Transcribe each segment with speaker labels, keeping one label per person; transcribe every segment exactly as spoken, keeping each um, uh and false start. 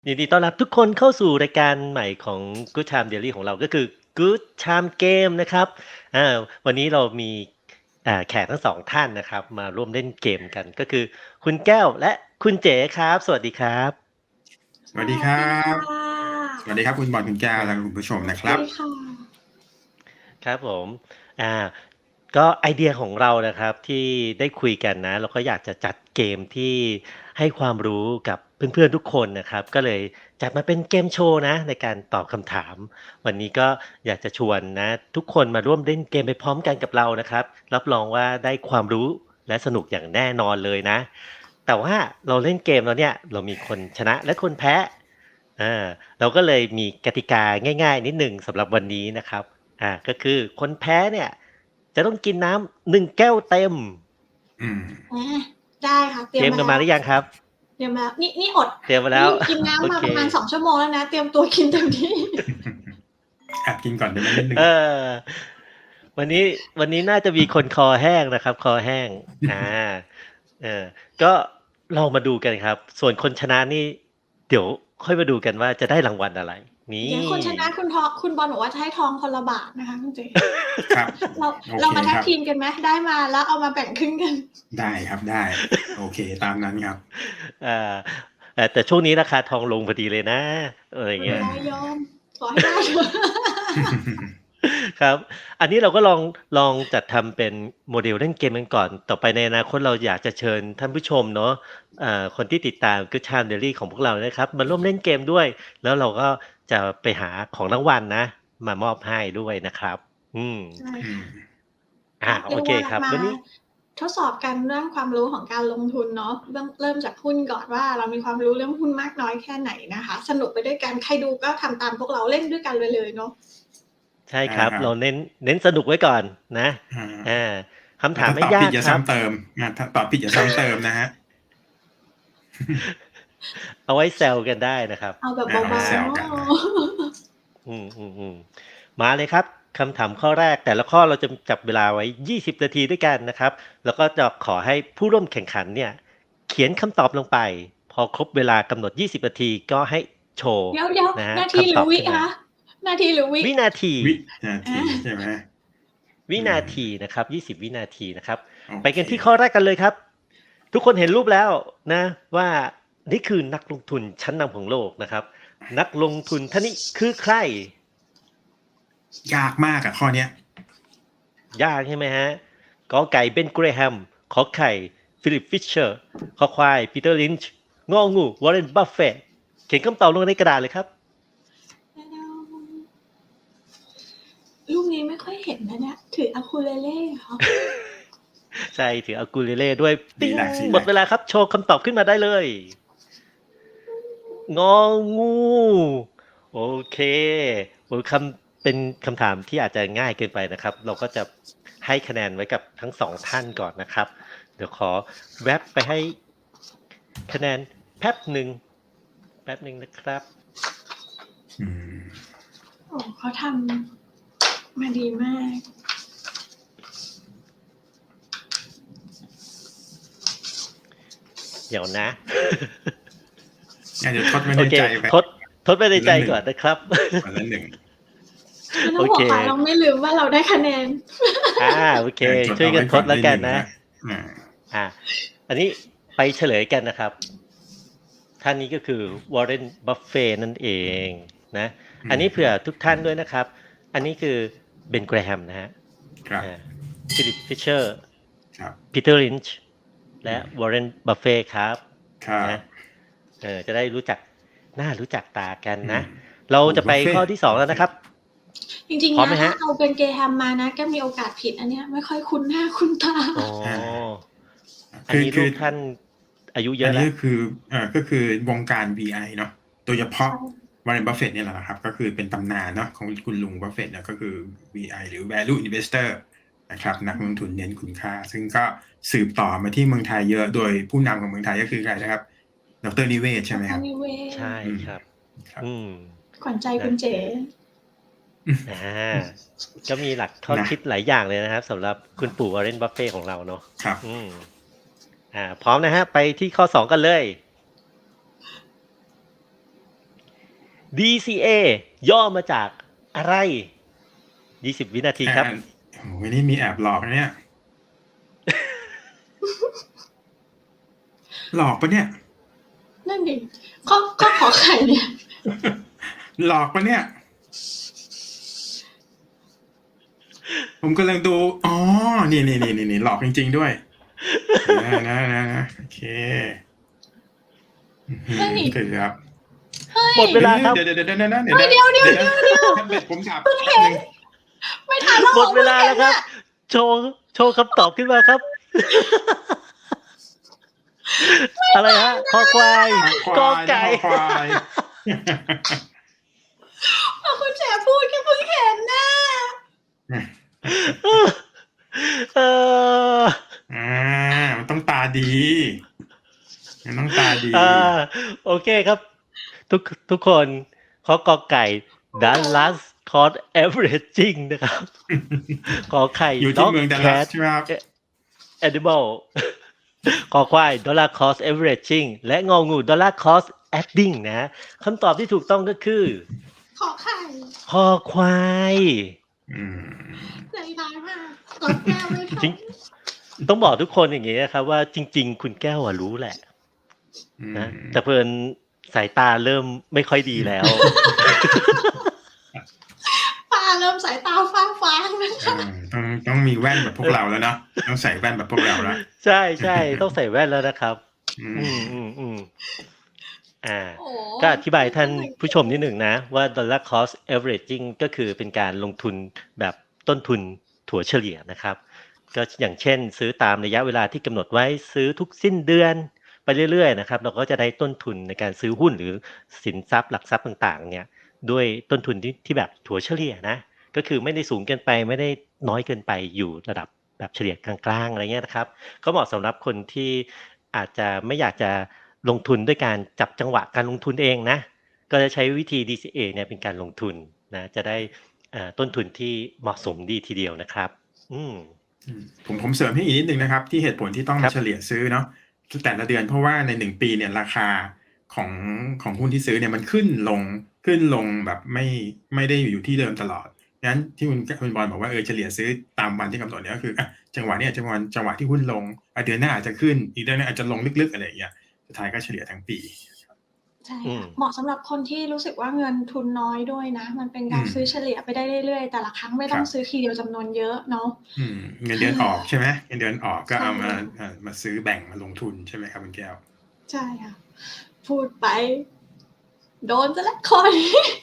Speaker 1: ยินดีต้อนรับทุกคนเข้าสู่รายการใหม่ของ Good Time Daily ของเราก็คือ Good Time Game นะครับอ่าวันนี้เรามีอ่าแขกทั้งสองท่านนะครับมาร่วมเล่นเกมกันก็คือคุณแก้วและคุณเจ๋ครับ สวัสดีครับ
Speaker 2: สวัสดีครั
Speaker 3: สวัสดี
Speaker 2: บ
Speaker 3: ค่ะ
Speaker 2: สวัสดีครับคุณบอลคุณแก้วและคุณผู้ชมนะค
Speaker 3: ส
Speaker 2: รั
Speaker 3: วั
Speaker 2: บ
Speaker 3: สดีค่ะ
Speaker 1: ครับผมอ่าก็ไอเดียของเรานะครับที่ได้คุยกันนะเราก็อยากจะจัดเกมที่ให้ความรู้กับเพื่อนๆทุกคนนะครับ ก็เลยจัดมาเป็นเกมโชว์นะในการตอบคำถาม วันนี้ก็อยากจะชวนนะทุกคนมาร่วมเล่นเกมไปพร้อมกันกับเรานะครับ รับรองว่าได้ความรู้และสนุกอย่างแน่นอนเลยนะ แต่ว่าเราเล่นเกมแล้วเนี่ยเรามีคนชนะและคนแพ้อ่าเราก็เลยมีกติกาง่ายๆนิดหนึ่งสำหรับวันนี้นะครับอ่าก็คือคนแพ้เนี่ยจะต้องกินน้ำหนึ่งแก้วเต็ม
Speaker 2: อืม
Speaker 3: อ่าได้ค่ะเตรี
Speaker 1: เต
Speaker 3: ย
Speaker 1: รี
Speaker 3: ม
Speaker 1: ยม
Speaker 3: มา
Speaker 1: กันมา
Speaker 3: แล้ว
Speaker 1: หรือยังครับ
Speaker 3: เตรียมมาแล้วนี่นี่อด
Speaker 1: เตรียมมาแล้ว
Speaker 3: นี่กินน้ำ
Speaker 1: โอ
Speaker 3: มา
Speaker 1: เค
Speaker 3: ประมาณสองชั่วโมงแล้วนะเตรียมตัวกินเต็มที่
Speaker 2: แอบกินก่อนได้ไหมนิดนึง
Speaker 1: เออวันนี้วันนี้น่าจะมีคนคอแห้งนะครับ คอแห้งอ่าเออก็เรามาดูกันครับ ส่วนคนชนะนี่ เดี๋ยวค่อยมาดูกันว่าจะได้รางวัลอะไร นี่
Speaker 3: เดี๋ยวคนชนะคุณทองคุณบอลบอกว่าจะให้ทองคนละบาทนะคะคุณเจ
Speaker 2: ครับ
Speaker 3: เรา
Speaker 2: โอเค
Speaker 3: เรามาแท็ก
Speaker 2: ครับ
Speaker 3: ทีมกันไหมได้มาแล้วเอามาแบ่งครึ่งกัน
Speaker 2: ได้ครับได้ โอเคตามนั้นครับ
Speaker 1: อ่าเอ่อแต่ช่วงนี้ราคาทองลงพอดีเลยนะอะไรอย่าง
Speaker 3: ไม่
Speaker 1: เงี้ย
Speaker 3: ได้ยอมขอให้ได้เถอะ
Speaker 1: ครับ อันนี้เราก็ลองลองจัดทำเป็นโมเดลเล่นเกมกันก่อน ต่อไปในอนาคตเราอยากจะเชิญท่านผู้ชมเนาะเอ่อคนที่ติดตาม Good Time Daily ของพวกเรานะครับ มาร่วมเล่นเกมด้วย แล้วเราก็จะไปหาของรางวัลนะ มามอบให้ด้วยนะครับ อืม
Speaker 3: ใช่
Speaker 2: อื
Speaker 3: ค่ะ
Speaker 2: ม
Speaker 1: อ่า
Speaker 3: ก็
Speaker 1: โอ
Speaker 3: เรียก
Speaker 1: เค
Speaker 3: ว่า
Speaker 1: ครับ
Speaker 3: มา
Speaker 1: วันนี้
Speaker 3: ทดสอบกันเรื่องความรู้ของการลงทุนเนาะเริ่มเริ่มจากหุ้นก่อนว่าเรามีความรู้เรื่องหุ้นมากน้อยแค่ไหนนะคะ สนุกไปด้วยกันใครดูก็ทำตามพวกเราเล่นด้วยกันเลยเลยเนาะ
Speaker 1: ใช่ครับ
Speaker 2: อ่าครับ
Speaker 1: เราเน้นเน้นสนุกไว้ก่อนนะ
Speaker 2: อ่า
Speaker 1: อ่าคำถาม
Speaker 2: ถ้า
Speaker 1: ไม่
Speaker 2: ตอบ
Speaker 1: ยา
Speaker 2: ผิด
Speaker 1: ก
Speaker 2: อย่า
Speaker 1: ครับ
Speaker 2: ซ้ำเติมอ่าถ้าตอบผิดอย่าซ้ำเติมนะฮะ
Speaker 1: เอาไว้แซวกันได้นะครับ
Speaker 3: เอาแบบ
Speaker 2: อ่า
Speaker 3: เบา
Speaker 2: แซว
Speaker 3: ๆ
Speaker 2: กัน
Speaker 3: เนาะ
Speaker 2: นะ
Speaker 1: อืมอืมอืมมาเลยครับคำถามข้อแรกแต่ละข้อเราจะจับเวลาไว้ยี่สิบนาทีด้วยกันนะครับ แล้วก็จะขอให้ผู้ร่วมแข่งขันเนี่ย เขียนคำตอบลงไป พอครบเวลากำหนดยี่สิบนาทีก็ให้โชว์
Speaker 3: เดี๋ยวเดี๋ยว
Speaker 1: นะฮะ
Speaker 3: นาทีห
Speaker 1: คำต
Speaker 3: รือ
Speaker 1: อบ
Speaker 3: วิ
Speaker 1: ขึ้นมา
Speaker 3: คะนาทีหรือวิ
Speaker 1: วินาที
Speaker 2: วินาทีใช่ไหม
Speaker 1: วินาทีนะครับยี่สิบวินาทีนะครับ
Speaker 2: โอเค
Speaker 1: ไปกันที่ข้อแรกกันเลยครับ ทุกคนเห็นรูปแล้วนะ ว่านี่คือนักลงทุนชั้นนำของโลกนะครับ นักลงทุนท่านนี้คือใคร
Speaker 2: ยากมากอะข้อเนี้ย
Speaker 1: ยากใช่ไหมฮะกอไก่เบนเกรแฮมขอไข่ฟิลิปฟิชเชอร์ขอควายปีเตอร์ลินช์งองูวอร์เรนบัฟเฟตเขียนคำตอบลงในกระดาษเลยครับ
Speaker 3: รูปนี้ไม่ค่อยเห็นนะเนี่ยถืออะคูเลเล่เหรอ
Speaker 1: ใช่ถืออากูเลเล่ด้วย
Speaker 2: สี
Speaker 1: ปิ๊ง
Speaker 2: แรกสีแรก
Speaker 1: หมดเวลาครับ โชว์คำตอบขึ้นมาได้เลย งองู โอเคโอ้คำเป็นคำถามที่อาจจะง่ายเกินไปนะครับ เราก็จะให้คะแนนไว้กับทั้งสองท่านก่อนนะครับ เดี๋ยวขอแวบไปให้คะแนนแป๊บหนึ่งแป๊บหนึ่งนะครับ
Speaker 2: อืม
Speaker 3: โอ้เขาทำมาดีมาก
Speaker 1: เดี๋ยวนะ
Speaker 2: งั้นเดี๋ยวทดไว้
Speaker 1: โอ
Speaker 2: ใน
Speaker 1: เค
Speaker 2: ใจไป
Speaker 1: ทดทดไปในใจก่อนนะครับ
Speaker 2: วันละหนึ่ง
Speaker 3: ไม่ต้องห่วง
Speaker 1: โอเค
Speaker 3: ค่ะเราไม่ลืมว่าเราได้คะแนน
Speaker 1: อ่าโอเค
Speaker 2: จด
Speaker 1: ช่วยกันทดแล้วกันนะ
Speaker 2: อ่า
Speaker 1: อ่า อันนี้ไปเฉลยกันนะครับ ท่านนี้ก็คือวอร์เรนบัฟเฟนั่นเองนะ อันนี้เผื่อทุกท่านด้วยนะครับ อันนี้คือเบนแกรแฮมนะฮะ
Speaker 2: ครับ
Speaker 1: ฟิลิปฟิชเชอร์
Speaker 2: ครับ
Speaker 1: ปีเตอร์ลินช์และวอร์เรนบัฟเฟครับ
Speaker 2: ครับ
Speaker 1: นะเออจะได้รู้จักหน้ารู้จักตากันนะ
Speaker 2: อืม
Speaker 1: เราจะไป
Speaker 2: บุฟเฟ่
Speaker 1: ข้อที่สองแล้วนะครับ
Speaker 3: จริง
Speaker 1: พร้อ
Speaker 3: ๆ
Speaker 1: มไหม
Speaker 3: นะ
Speaker 1: ฮะ
Speaker 3: ถ้าเอาเป็นเกรแฮมมานะก็มีโอกาสผิดอันเนี้ยไม่ค่อยคุ้นหน้าคุ้นตา
Speaker 1: อ๋ออัน
Speaker 2: คือ
Speaker 1: นี้
Speaker 2: คื
Speaker 1: ลู
Speaker 2: อก
Speaker 1: ท่านอายุเย
Speaker 2: อั
Speaker 1: อะ
Speaker 2: น
Speaker 1: แล้
Speaker 2: นี้
Speaker 1: ว
Speaker 2: ก็คือเอ่อก็คือวงการ วี ไอ เนาะโดยเฉพาะวอร์เรนบัฟเฟตเนี่ยแหละครับ ก็คือเป็นตำนานเนาะของคุณลุงบัฟเฟตเนี่ยก็คือ วี ไอ หรือ value investor นะครับนักลงทุนเน้นคุณค่า ซึ่งก็สืบต่อมาที่เมืองไทยเยอะโดยผู้นำของเมืองไทยก็คือใครนะครับดรนิเวศน์ใช่ไหมครับ
Speaker 3: นิเวศ
Speaker 1: ใช่ครับ
Speaker 2: ครับ
Speaker 1: อืม
Speaker 3: ขวัญใจคุณเจ๋
Speaker 1: อ่า ก็มีหลักข้อ
Speaker 2: นะ
Speaker 1: คิดหลายอย่างเลยนะครับสำหรับคุณปู่วอร์เรนบัฟเฟ่ของเราเนาะ
Speaker 2: ครับ
Speaker 1: อืม อ่า พร้อมนะฮะ ไปที่ข้อสองกันเลยดี ซี เอ ย่อมาจากอะไรยี่สิบวินาทีครับ
Speaker 2: อ่าโอ้โหนี่มีแอบหลอกนะเนี่ย หลอกปะเนี่ย
Speaker 3: นั่นดิข้อข้อขอไข่เนี่ย
Speaker 2: หลอกปะเนี่ย ผมกำลังดู อ๋อ นี่นี่นี่นี่หลอกจริงๆด้วยนะนะนะนะโอเคอื้อหือ
Speaker 3: เฮ้ย
Speaker 2: เกือบ
Speaker 3: เฮ้ย
Speaker 1: หมดเวลาครับ
Speaker 2: เดี๋ยวเดี๋ยวเดี๋ยวเดี๋ยวนะเดี๋ยว
Speaker 3: เฮ้ย
Speaker 2: นะ
Speaker 3: เดี๋ยวเดี๋ยว
Speaker 2: นะ
Speaker 3: เดี๋ยว
Speaker 2: ท่านเป็นผมถามหนึ่ง
Speaker 3: ไม่ทันแล้ว
Speaker 1: หมดเวลาแล้วครับ โชว์โชว์คำตอบขึ้นมาครับ อะไรฮะคอควาย
Speaker 2: ค
Speaker 1: กอ
Speaker 2: วาย
Speaker 1: ไก่
Speaker 2: นะควาย
Speaker 3: พอคุณแฉพูดแค่เพิ่งเห็นนะ
Speaker 1: เออ
Speaker 2: อ่ามันต้องตาดีมันต้องตาดี
Speaker 1: อ่าโอเคครับ ทุกทุกคนขอกอไก่ Dallas Cost Averaging นะครับ ขอไข่
Speaker 2: อยู่ที่
Speaker 1: Dog
Speaker 2: เมืองดัลลัส
Speaker 1: Cat
Speaker 2: ใช่ไหมครับ
Speaker 1: Animal ขอควาย Dollar Cost Averaging และงองู Dollar Cost Adding นะคำตอบที่ถูกต้องก็คือ
Speaker 3: ขอไข่
Speaker 1: คอควาย
Speaker 2: อืม
Speaker 3: ใจร้ายมากกดแก้วไม่ทั
Speaker 1: จริ
Speaker 3: น
Speaker 1: ง ต้องบอกทุกคนอย่างนี้นะครับว่าจริง ๆ คุณแก้วอะรู้แหละ
Speaker 2: อืม
Speaker 1: นะแต่เพิ่นสายตาเริ่มไม่ค่อยดีแล้ว
Speaker 3: ป้าเริ่มสายตาฟ้าฟางนะคะ
Speaker 2: อ่าต้องต้องมีแว่นแบบพวกเราแล้วเนาะต้องใส่แว่นแบบพวกเราแล้ว
Speaker 1: ใช่ใช่ต้องใส่แว่นแล้วนะครับ
Speaker 2: อื
Speaker 1: อื
Speaker 2: ม
Speaker 1: มอืมอืมอ่า
Speaker 3: โอ้
Speaker 1: ก็อธิบายท่านผู้ชมนิดหนึ่งนะว่า dollar cost averaging ก็คือเป็นการลงทุนแบบต้นทุนถั่วเฉลี่ยนะครับ ก็อย่างเช่น ซื้อตามระยะเวลาที่กำหนดไว้ซื้อทุกสิ้นเดือนไปเรื่อยๆนะครับเราก็จะได้ต้นทุนในการซื้อหุ้นหรือสินทรัพย์หลักทรัพย์ต่างๆเนี่ยด้วยต้นทุนที่ที่แบบถั่วเฉลี่ยนะก็คือไม่ได้สูงเกินไปไม่ได้น้อยเกินไปอยู่ระดับแบบเฉลี่ยกลางๆอะไรเงี้ยนะครับก็เหมาะสำหรับคนที่อาจจะไม่อยากจะลงทุนด้วยการจับจังหวะการลงทุนเองนะก็จะใช้วิธี ดี ซี เอ เนี่ยเป็นการลงทุนนะจะได้เอ่อต้นทุนที่เหมาะสมดีทีเดียวนะครับอืม
Speaker 2: อืมผมผมเสริมให้อีกนิดนึงนะครับ ที่เหตุผลที่ต้อง
Speaker 1: ครั
Speaker 2: มา
Speaker 1: บ
Speaker 2: เฉลี่ยซื้อเนาะแต่ละเดือนเพราะว่าในหนึ่งปีเนี่ยราคาของของหุ้นที่ซื้อเนี่ยมันขึ้นลงขึ้นลงแบบไม่ไม่ได้อยู่ที่เดิมตลอดงั้นที่คุณคุณบอลบอกว่าเออเฉลี่ยซื้อตามวันที่กำหนดเนี่ยก็คืออ่ะจังหวะเนี้จังหวะจังหวะที่หุ้นลงอ่ะเดือนหน้าอาจจะขึ้นอีกเดือนหนึงอาจจะลงลึกๆอะไรอย่างเงี้ยสุดท้ายก็เฉลี่ยทั้งปี
Speaker 3: ใช่
Speaker 1: อืม
Speaker 3: ค่ะเหมาะสำหรับคนที่รู้สึกว่าเงินทุนน้อยด้วยนะ มันเป็นการ
Speaker 2: อืม
Speaker 3: ซื้อเฉลี่ยไปได้เรื่อยๆ แต่ละครั้งไม่ต้อง
Speaker 2: ครับ
Speaker 3: ซื้อทีเดียวจำนวนเยอะเนาะ
Speaker 2: อืมเงินเดือนออกใช่ไหมเงินเดือนออกก็
Speaker 3: ใช่
Speaker 2: เอามาอ่ามาซื้อแบ่งมาลงทุนใช่ไหมครับคุณแก้ว
Speaker 3: ใช่ค่ะ พูดไป โดนจะแล้วคอย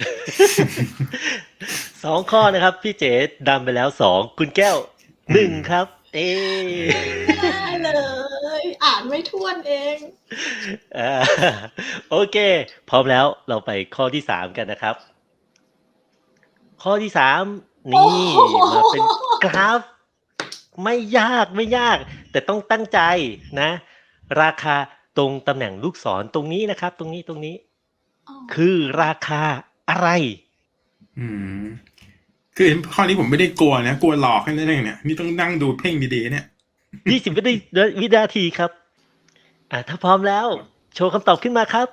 Speaker 1: สองข้อนะครับ พี่เจ๋ดำไปแล้วสองคุณแก้วหนึ่งครับ เอ
Speaker 3: ได้เลย อ่านไม่ท้วนเอง
Speaker 1: อ่าโอเค พร้อมแล้วเราไปข้อที่สามกันนะครับ ข้อที่สามนี่
Speaker 3: โอ้โห
Speaker 1: มาเป็นกราฟ ไม่ยากไม่ยาก แต่ต้องตั้งใจนะ ราคาตรงตำแหน่งลูกศรตรงนี้นะครับ ตรงนี้ตรงนี้
Speaker 3: อ๋อ
Speaker 1: คือราคาอะไร
Speaker 2: อืมคือข้อนี้ผมไม่ได้กลัวนะกลัวหลอกแค่นั้นเองเนี่ยนี่ต้องนั่งดูเพ่งดีๆเนี่ย
Speaker 1: ยี่สิบวินาทีวินาทีครับ อ่าถ้าพร้อมแล้ว โชว์คำตอบขึ้นมาครับ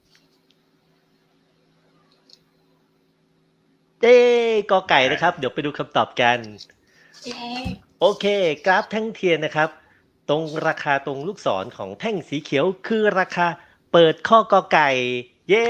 Speaker 1: เต้กอไก่นะครับ เดี๋ยวไปดูคำตอบกัน
Speaker 3: เย้
Speaker 1: โอเค กราฟแท่งเทียนนะครับ ตรงราคาตรงลูกศรของแท่งสีเขียวคือราคาเปิดข้อกอไก่ เย้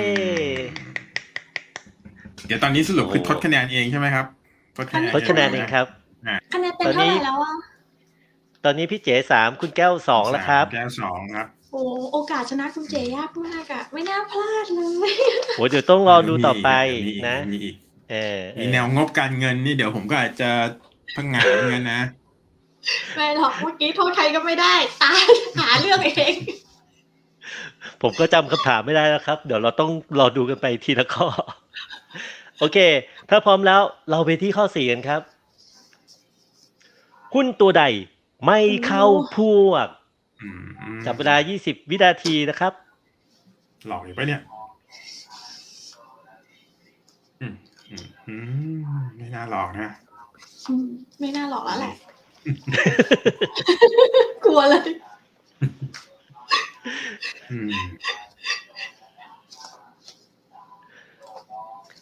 Speaker 2: เดี๋ยวตอนนี้สรุปคือ
Speaker 1: โอ้
Speaker 2: ทดคะแนนเองใช่ไหมครับทดคะแนน
Speaker 1: ทดคะแนนเองครับ
Speaker 3: คะแนนเต็มเท่าไหร่แล้วอ่ะ
Speaker 1: ตอนนี้พี่เจ๋สามคุณแก้วสองแล้วครับ
Speaker 2: แก้วสองครับ
Speaker 3: โอ้โอกาสชนะคุณเจยากมากอ่ะ ไม่น่าพลาดเลย
Speaker 1: โหเดี๋ยวต้องรอดูต่อไป
Speaker 2: มีอีก
Speaker 1: นะ
Speaker 2: มีอีก
Speaker 1: เออเอ
Speaker 2: มี
Speaker 1: อ
Speaker 2: แนวงบการเงินนี่เดี๋ยวผมก็อาจจะพังงานเงินนะ
Speaker 3: ไม่หรอกเมื่อกี้โทษใครก็ไม่ได้ ตายหาเรื่องเอง
Speaker 1: ผมก็จำคำถามไม่ได้แล้วครับ เดี๋ยวเราต้องรอดูกันไปทีละข้อ โอเค ถ้าพร้อมแล้วเราไปที่ข้อสี่กันครับ หุ้นตัวใดไม่เข้าพวก
Speaker 2: อืม
Speaker 1: จับเวลายี่สิบวินาทีนะครับ
Speaker 2: หลอกอยู่ปะเนี่ย อืมอืมอืมไม่น่าหลอกนะ
Speaker 3: อืมไม่น่าหลอกแล้วแหละ กลัวเลย
Speaker 2: อืม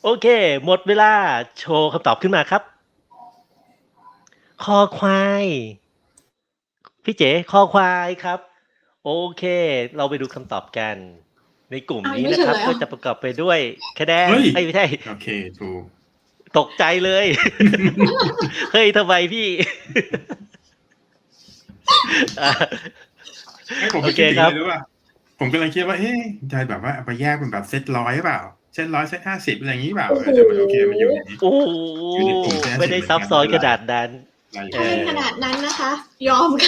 Speaker 1: โอเค หมดเวลาโชว์คำตอบขึ้นมาครับ คอควาย พี่เจ๋คอควายครับ โอเค เราไปดูคำตอบกัน ในกลุ่ม
Speaker 3: อ้าว
Speaker 1: นี้
Speaker 3: ยังไม่
Speaker 1: นะ
Speaker 3: เฉ
Speaker 1: ครับ
Speaker 3: ลยเหร
Speaker 1: ก็
Speaker 3: อ?
Speaker 1: จะประกอบไปด้วยคะแนน
Speaker 2: เฮ้ย
Speaker 1: เอ๊ย ไม่ใช่
Speaker 2: โอเค ถูก
Speaker 1: ตกใจเลย เฮ้ย ทำไมพี่? อา
Speaker 2: ไม่ ผม
Speaker 1: โอ
Speaker 2: ไม่
Speaker 1: เค
Speaker 2: คิดถึง
Speaker 1: ครั
Speaker 2: อะ
Speaker 1: บ
Speaker 2: ไรรู้เปล่า ผมกำลังคิดว่า เอ๊ะ จะแบบว่าเอาไปแยกเป็นแบบเซต ร้อย หรือเปล่า เซต ร้อย เซต ห้าสิบ อะไรงี้หรือเปล่า
Speaker 3: โอ้
Speaker 2: เอ
Speaker 3: โฮ
Speaker 2: อ แต่มันโอเค มันอยู่ในนี้
Speaker 1: โอ้โฮ
Speaker 2: อยู่ในกลุ่ม เซต ห้า
Speaker 1: ไม่
Speaker 2: สิบ
Speaker 1: ได้
Speaker 2: เหมือน
Speaker 1: ซับ
Speaker 2: กัน
Speaker 1: ซ้อน
Speaker 2: ไม่
Speaker 1: ข
Speaker 2: เป็นไร
Speaker 1: นาดนั้น
Speaker 2: ได้อยู่
Speaker 1: เอ
Speaker 3: ถ้าไม่
Speaker 1: อ
Speaker 3: ขนาดนั้นนะคะ ยอม ค่ะ